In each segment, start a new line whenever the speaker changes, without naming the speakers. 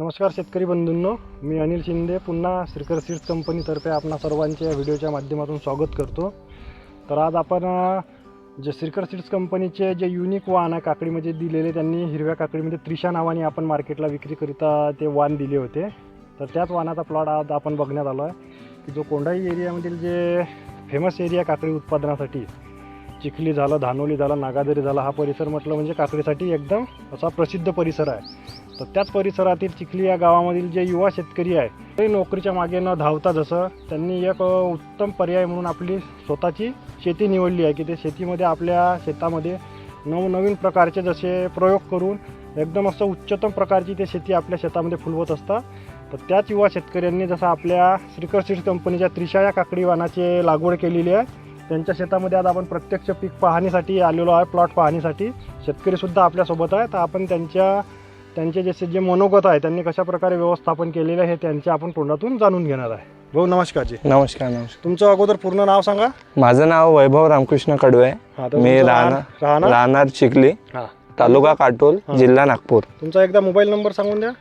नमस्कार शेतकरी बंधूंनो, मी अनिल शिंदे पुन्हा श्रीकर सीड्स कंपनीतर्फे आपणा सर्वांचे या व्हिडिओच्या माध्यमातून स्वागत करतो। तर आज आपण जे श्रीकर सीड्स कंपनीचे जे युनिक वाण आहे काकडीमध्ये दिलेले, त्यांनी हिरव्या काकडीमध्ये त्रिशा नावाने आपण मार्केटला विक्रीकरिता ते वाण दिले होते। तर त्याच वाणाचा प्लॉट आज आपण बघण्यात आलो आहे की जो कोंढाई एरियामधील जे फेमस एरिया काकडी उत्पादनासाठी, चिखली झालं, धानोली झालं, नागादरी झाला, हा परिसर म्हटलं म्हणजे काकडीसाठी एकदम असा प्रसिद्ध परिसर आहे। तर त्याच परिसरातील चिखली या गावामधील जे युवा शेतकरी आहे ते नोकरीच्या मागे न धावता जसं त्यांनी एक उत्तम पर्याय म्हणून आपली स्वतःची शेती निवडली आहे की ते शेतीमध्ये आपल्या शेतामध्ये नवनवीन प्रकारचे जसे प्रयोग करून एकदम असं उच्चतम प्रकारची ते शेती आपल्या शेतामध्ये फुलवत असतात। तर त्याच युवा शेतकऱ्यांनी जसं आपल्या श्रीकर सीड्स कंपनीच्या त्रिशा या काकडी वाणाची लागवड केलेली आहे। त्यांच्या शेतामध्ये आज आपण प्रत्यक्ष पीक पाहणीसाठी आलेलो आहे, प्लॉट पाहणीसाठी। शेतकरीसुद्धा आपल्यासोबत आहे। तर आपण त्यांचे जे मनोगत आहे, त्यांनी कशा प्रकारे व्यवस्थापन केलेलं आहे हे त्यांच्या आपण तोंडातून जाणून घेणार आहे। भाऊ नमस्कार जी।
नमस्कार।
तुमचं अगोदर पूर्ण नाव सांगा।
माझं नाव वैभव रामकृष्ण कडवे, मी राहणार चिखली, तालुका काटोल, जिल्हा नागपूर।
तुमचा एकदा मोबाईल नंबर सांगून द्या।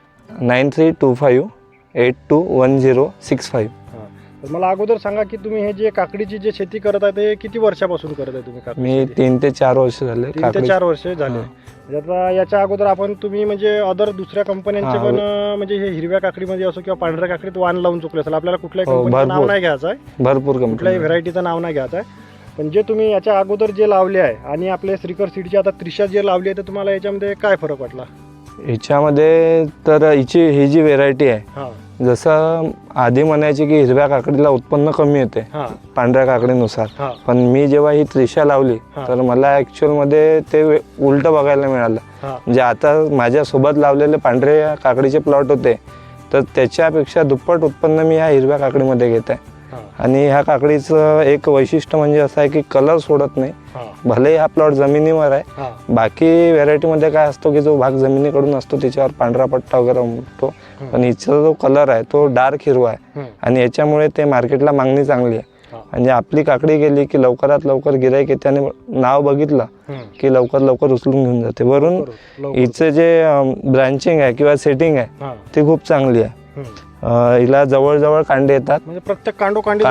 9325821065।
तर मला अगोदर सांगा की तुम्ही हे जे काकडीची जे शेती करत आहे ते किती वर्षापासून करत आहे तुम्ही?
मी 3 ते 4 वर्ष झाले।
3 ते 4 वर्ष झाले। आता याच्या अगोदर आपण तुम्ही म्हणजे अदर दुसऱ्या कंपन्यांचे पण म्हणजे हे हिरव्या काकडीमध्ये असो किंवा पांढऱ्या काकडीत वाण लावून चुकले असेल, आपल्याला कुठल्याही कंपनीचं नाव नाही घ्यायचं आहे,
भरपूर
कुठल्याही व्हरायटीचं नाव नाही घ्यायचं आहे। पण जे तुम्ही याच्या अगोदर जे लावले आहे आणि आपले श्रीकर सीडची आता त्रिशा जे लावली आहे, तर तुम्हाला याच्यामध्ये काय फरक वाटला?
याच्यामध्ये तर ही जी व्हेरायटी आहे, जसं आधी म्हणायची की हिरव्या काकडीला उत्पन्न कमी येते पांढऱ्या काकडीनुसार, पण मी जेव्हा ही त्रिशा लावली तर मला ऍक्च्युअल मध्ये ते उलट बघायला मिळालं। म्हणजे आता माझ्यासोबत लावलेले पांढऱ्या काकडीचे प्लॉट होते, तर त्याच्यापेक्षा दुप्पट उत्पन्न मी ह्या हिरव्या काकडीमध्ये घेत आहे। आणि ह्या काकडीचं एक वैशिष्ट्य म्हणजे असं आहे की कलर सोडत नाही, भले हा प्लॉट जमिनीवर आहे। बाकी व्हेरायटीमध्ये काय असतो की जो भाग जमिनीकडून असतो त्याच्यावर पांढरा पट्टा वगैरे उमटतो, पण हिचा जो कलर आहे तो डार्क हिरवा आहे आणि याच्यामुळे ते मार्केटला मागणी चांगली आहे। म्हणजे आपली काकडी गेली की लवकरात लवकर गिराईक येते आणि नाव बघितलं की लवकर लवकर उचलून घेऊन जाते। वरून हिचं जे ब्रांचिंग आहे किंवा सेटिंग आहे ती खूप चांगली आहे। हिला जवळजवळ कांडे येतात,
म्हणजे प्रत्येक कांडोकांडी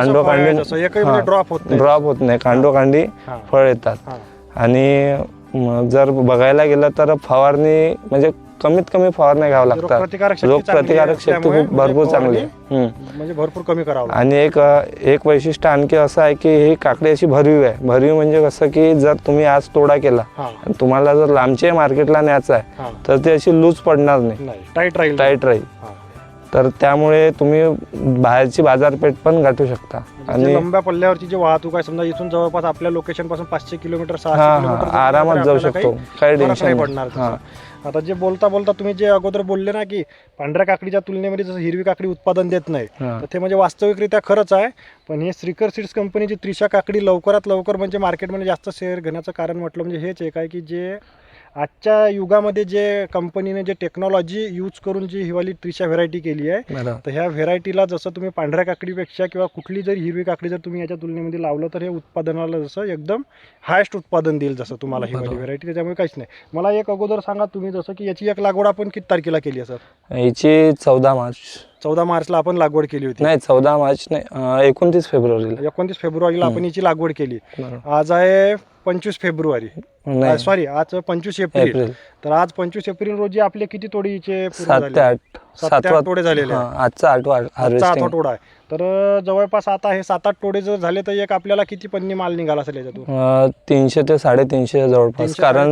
ड्रॉप होत नाही, कांडोकांडी फळ येतात। आणि जर बघायला गेलं तर फवारणी म्हणजे कमीत कमी फवारणी घ्यावं लागतात, रोगप्रतिकारक शक्ती खूप भरपूर चांगली आहे,
म्हणजे भरपूर कमी करावं।
आणि एक वैशिष्ट्य आणखी असं आहे की ही काकडी अशी भरवी आहे। भरवी म्हणजे कसं की जर तुम्ही आज तोडा केला आणि तुम्हाला जर लांबच्या मार्केटला न्यायचं आहे तर ती अशी लूज पडणार नाही, टाईट राहील। तर त्यामुळे तुम्ही बाहेरची बाजारपेठ पण गाठू शकता।
आणि लंब्या पल्ल्यावरची जी वाहतूक आहे, समजा इथून जवळपास आपल्या लोकेशन पासून 500 किलोमीटर 600 किलोमीटर
आरामात जाऊ शकतो, काही टेन्शन
पडणार। आता जे बोलता तुम्ही जे अगोदर बोलले ना की पांढऱ्या काकडीच्या तुलनेमध्ये जसं हिरवी काकडी उत्पादन देत नाही, तर ते म्हणजे वास्तविकरित्या खरंच आहे। पण हे श्रीकर सीड्स कंपनीची त्रिशा काकडी लवकरात लवकर म्हणजे मार्केटमध्ये जास्त शेअर घेण्याचं कारण म्हटलं म्हणजे हेच एक आहे की जे आजच्या युगामध्ये जे कंपनीने जे टेक्नॉलॉजी यूज करून जी हिवाली त्रिशा व्हेरायटी केली आहे, तर ह्या व्हेरायटीला जसं तुम्ही पांढऱ्या काकडीपेक्षा किंवा कुठली जरी हिरवी काकडी जर तुम्ही याच्या तुलनेमध्ये लावलं तर हे उत्पादनाला जसं एकदम हायस्ट उत्पादन देईल जसं तुम्हाला हिवाली व्हेरायटी। त्याच्यामुळे काहीच नाही। मला एक अगोदर सांगा तुम्ही जसं की याची एक लागवड आपण किती तारखेला केली आहे सर?
याची 14
मार्चला आपण लागवड केली होती।
नाही 14 मार्च नाही, 29
फेब्रुवारीला आपण याची लागवड केली। आज आहे 25 फेब्रुवारी, सॉरी आज 25 एप्रिल। तर आज 25 एप्रिल रोजी आपले किती तोडीचे? 7 तोडे झालेले,
आजचा 8वा
तोडा आहे। तर जवळपास आता हे 7-8 तोडे जर झाले तर एक आपल्याला किती पन्नी माल निघाला असेल याच्यातून?
300 ते 350 जवळपास, कारण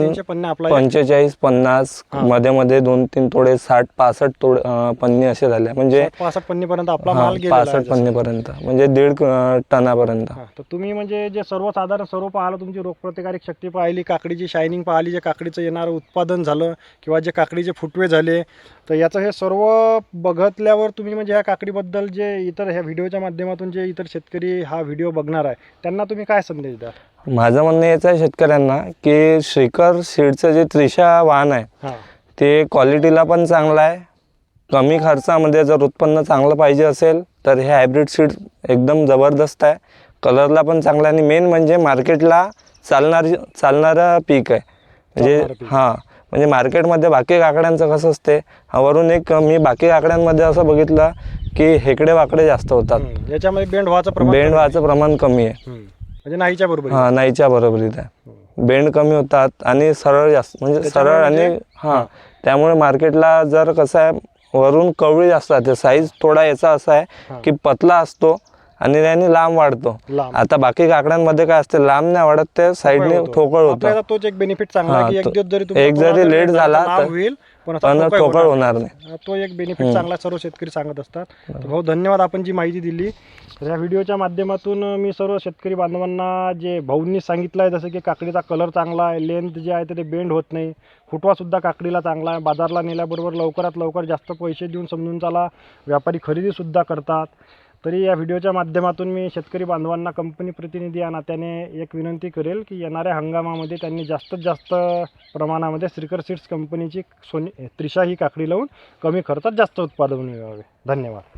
45-50 मध्ये मध्ये 2-3 तोडे 60-65 तोडे पन्नी असे झाले, म्हणजे
65 पन्नी पर्यंत आपला माल गेला,
65 पन्नी पर्यंत, म्हणजे 1.5 टनापर्यंत।
तर तुम्ही म्हणजे जे सर्वसाधारण सर्व पाहिलं, तुमची रोगप्रतिकारक शक्ती पाहिली, काकडीची शायनिंग पाहिली, जे काकडीचं येणारं उत्पादन झालं किंवा जे काकडीचे फुटवे झाले, तर याचं हे सर्व बघितल्यावर तुम्ही म्हणजे ह्या काकडीबद्दल जे इतर ह्या व्हिडिओच्या माध्यमातून जे इतर शेतकरी हा व्हिडिओ बघणार आहे त्यांना तुम्ही काय संदेश द्या?
माझं म्हणणं याचं आहे शेतकऱ्यांना की श्रीकर सीडचं जे त्रिशा वाण आहे ते क्वालिटीला पण चांगलं आहे, कमी खर्चामध्ये जर उत्पन्न चांगलं पाहिजे असेल तर हे हायब्रिड सीड एकदम जबरदस्त आहे, कलरला पण चांगला आहे आणि मेन म्हणजे मार्केटला चालणारं पीक आहे। म्हणजे म्हणजे मार्केटमध्ये बाकी काकड्यांचं कसं असते, वरून एक मी बाकी काकड्यांमध्ये असं बघितलं की हेकडे वाकडे जास्त होतात,
याच्यामध्ये बेंड व्हायचं
बेंड व्हायचं प्रमाण कमी आहे.
म्हणजे नाहीच्या बरोबर.
हां, नाहीच्या बरोबरीत आहे. बेंड कमी होतात आणि सरळ जास्त, म्हणजे सरळ आणि हां, त्यामुळे मार्केटला जर कसं आहे वरून कवळी जास्त राहते. साईज थोडा याचा असा आहे की पतला असतो आणि त्याने लांब वाढतो. आता बाकी काकड्यांमध्ये काय असते, लांब नाही वाढत, ते साईडने ठोकळ होतं.
तोच एक बेनिफिट चांगला आहे की
एक जरी लेट झाला तर
होईल पण
ठोकळ होणार नाही.
तो एक बेनिफिट चांगला सर्व शेतकरी सांगत असतात. तर भाऊ धन्यवाद, आपण जी माहिती दिली. तर या व्हिडिओच्या माध्यमातून मी सर्व शेतकरी बांधवांना जे भाऊंनी सांगितलं आहे, जसं की काकडीचा कलर चांगला आहे, लेंथ जे आहे ते बेंड होत नाही, फुटवासुद्धा काकडीला चांगला आहे, बाजारला नेल्याबरोबर लवकरात लवकर जास्त पैसे देऊन समजून चाला व्यापारी खरेदीसुद्धा करतात. तरी या व्हिडिओच्या माध्यमातून मी शेतकरी बांधवांना कंपनी प्रतिनिधी या नात्याने एक विनंती करेल की येणाऱ्या हंगामामध्ये त्यांनी जास्तीत जास्त प्रमाणामध्ये श्रीकर सीड्स कंपनीची त्रिशा ही काकडी लावून कमी खर्चात जास्त उत्पादन मिळवावे. धन्यवाद.